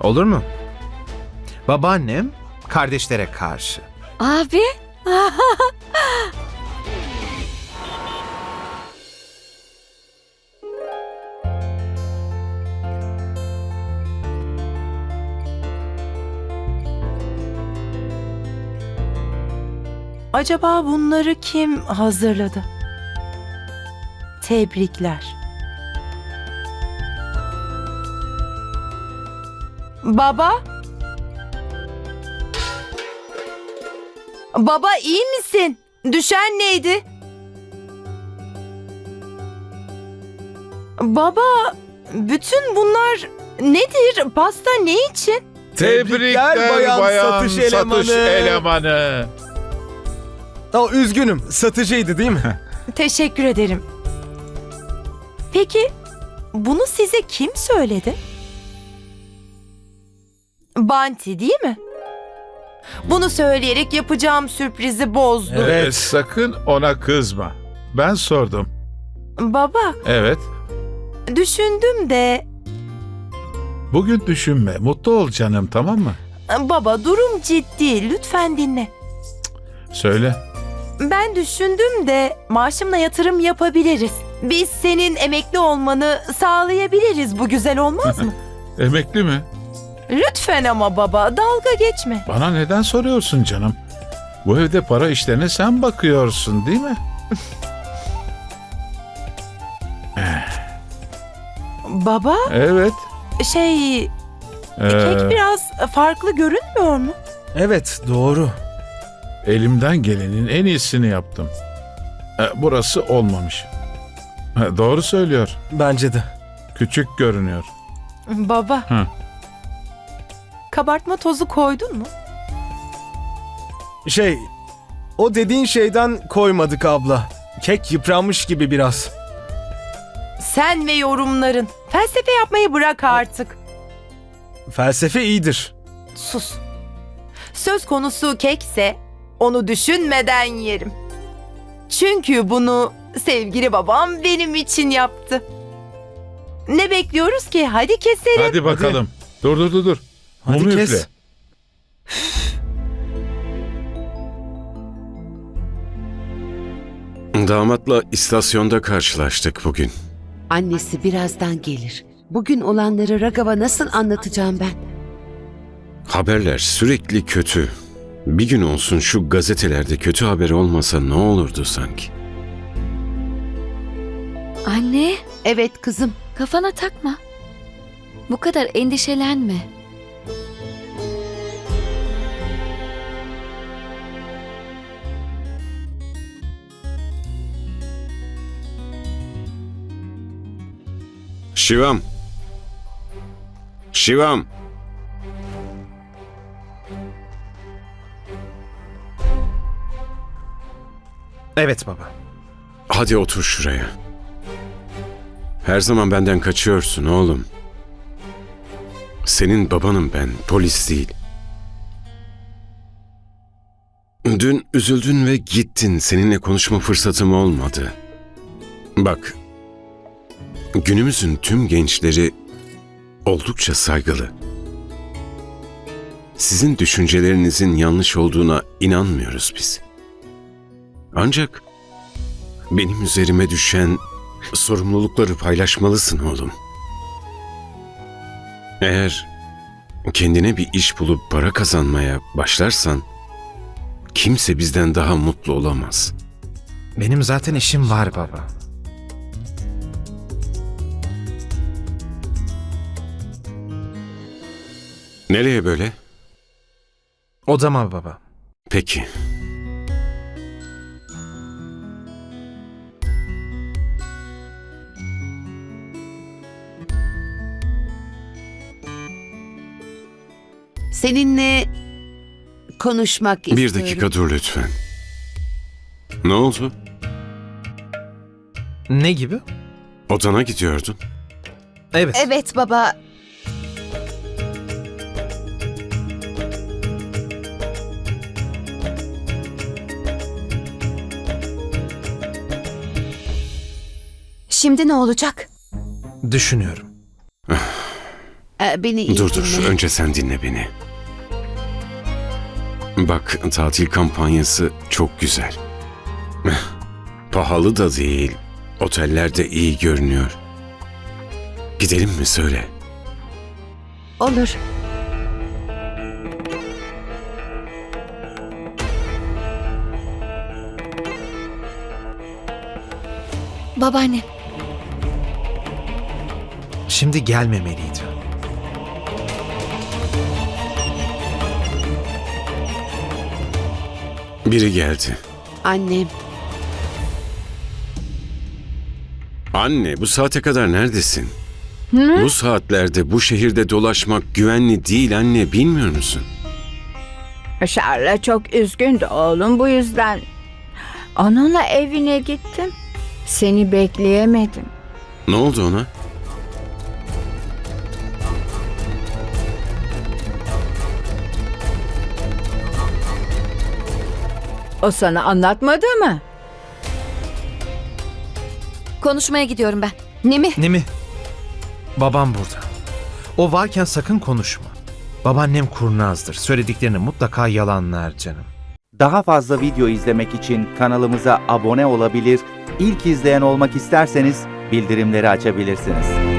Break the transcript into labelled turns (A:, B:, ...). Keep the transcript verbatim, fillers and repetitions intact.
A: Olur mu? Babaannem kardeşlere karşı.
B: Abi.
C: Acaba bunları kim hazırladı? Tebrikler. Baba? Baba iyi misin? Düşen neydi? Baba, bütün bunlar nedir? Pasta ne için?
D: Tebrikler bayan, satış elemanı.
E: elemanı.
D: Aa, üzgünüm, satıcıydı değil mi?
C: Teşekkür ederim. Peki, bunu size kim söyledi? Banti değil mi? Bunu söyleyerek yapacağım sürprizi bozdu.
D: Evet.
E: Ee, sakın ona kızma. Ben sordum.
C: Baba,
E: Evet.
C: düşündüm de...
E: Bugün düşünme. Mutlu ol canım, tamam mı?
C: Baba, durum ciddi. Lütfen dinle.
E: Söyle.
C: Ben düşündüm de maaşımla yatırım yapabiliriz. Biz senin emekli olmanı sağlayabiliriz. Bu güzel olmaz mı?
E: Emekli mi?
C: Lütfen ama baba, dalga geçme.
E: Bana neden soruyorsun canım? Bu evde para işlerine sen bakıyorsun, değil mi?
C: Baba,
E: Evet.
C: şey...
E: Ee,
C: Kek biraz farklı görünmüyor mu?
D: Evet, doğru.
E: Elimden gelenin en iyisini yaptım. Ee, burası olmamış. Ha, doğru söylüyor.
D: Bence de.
E: Küçük görünüyor.
C: Baba.
E: Hı.
C: Kabartma tozu koydun mu?
D: Şey, o dediğin şeyden koymadık abla. Kek yıpranmış gibi biraz.
C: Sen ve yorumların. Felsefe yapmayı bırak artık.
D: Felsefe iyidir.
C: Sus. Söz konusu kekse onu düşünmeden yerim. Çünkü bunu sevgili babam benim için yaptı. Ne bekliyoruz ki? Hadi keselim.
E: Hadi bakalım. Dur dur dur dur.
D: Hadi
E: Mumu
D: kes.
E: üfle.
F: Damatla istasyonda karşılaştık bugün.
B: Annesi birazdan gelir. Bugün olanları Ragav'a nasıl anlatacağım ben?
F: Haberler sürekli kötü. Bir gün olsun şu gazetelerde kötü haber olmasa ne olurdu sanki?
G: Anne,
B: Evet kızım.
G: kafana takma. Bu kadar endişelenme.
F: Şivam. Şivam.
A: Evet baba.
F: Hadi otur şuraya. Her zaman benden kaçıyorsun oğlum. Senin babanım ben, polis değil. Dün üzüldün ve gittin. Seninle konuşma fırsatım olmadı. Bak, günümüzün tüm gençleri oldukça saygılı. Sizin düşüncelerinizin yanlış olduğuna inanmıyoruz biz. Ancak benim üzerime düşen sorumlulukları paylaşmalısın oğlum. Eğer kendine bir iş bulup para kazanmaya başlarsan kimse bizden daha mutlu olamaz.
A: Benim zaten işim var baba.
F: Nereye böyle?
A: Odama baba.
F: Peki.
B: Seninle konuşmak istiyorum.
F: Bir dakika dur lütfen. Ne oldu?
A: Ne gibi?
F: Odana gidiyordun.
A: Evet.
B: Evet baba.
H: Şimdi ne olacak?
A: Düşünüyorum.
B: Ee, beni iyi
F: Dur dur,
B: dinle.
F: önce sen dinle beni. Bak, tatil kampanyası çok güzel. Pahalı da değil, oteller de iyi görünüyor. Gidelim mi söyle?
B: Olur.
G: Babaanne,
A: Şimdi gelmemeliydi.
F: Biri geldi.
B: Annem.
F: Anne, bu saate kadar neredesin? Bu saatlerde bu şehirde dolaşmak güvenli değil anne, bilmiyor musun?
H: Şarla çok üzgündü oğlum, bu yüzden onunla evine gittim. Seni bekleyemedim.
F: Ne oldu ona?
H: O sana anlatmadı mı?
G: konuşmaya gidiyorum ben.
B: Nemi?
A: Nemi, babam burada. O varken sakın konuşma. Babaannem kurnazdır. Söylediklerini mutlaka yalanlar canım.
I: Daha fazla video izlemek için kanalımıza abone olabilir, ilk izleyen olmak isterseniz bildirimleri açabilirsiniz.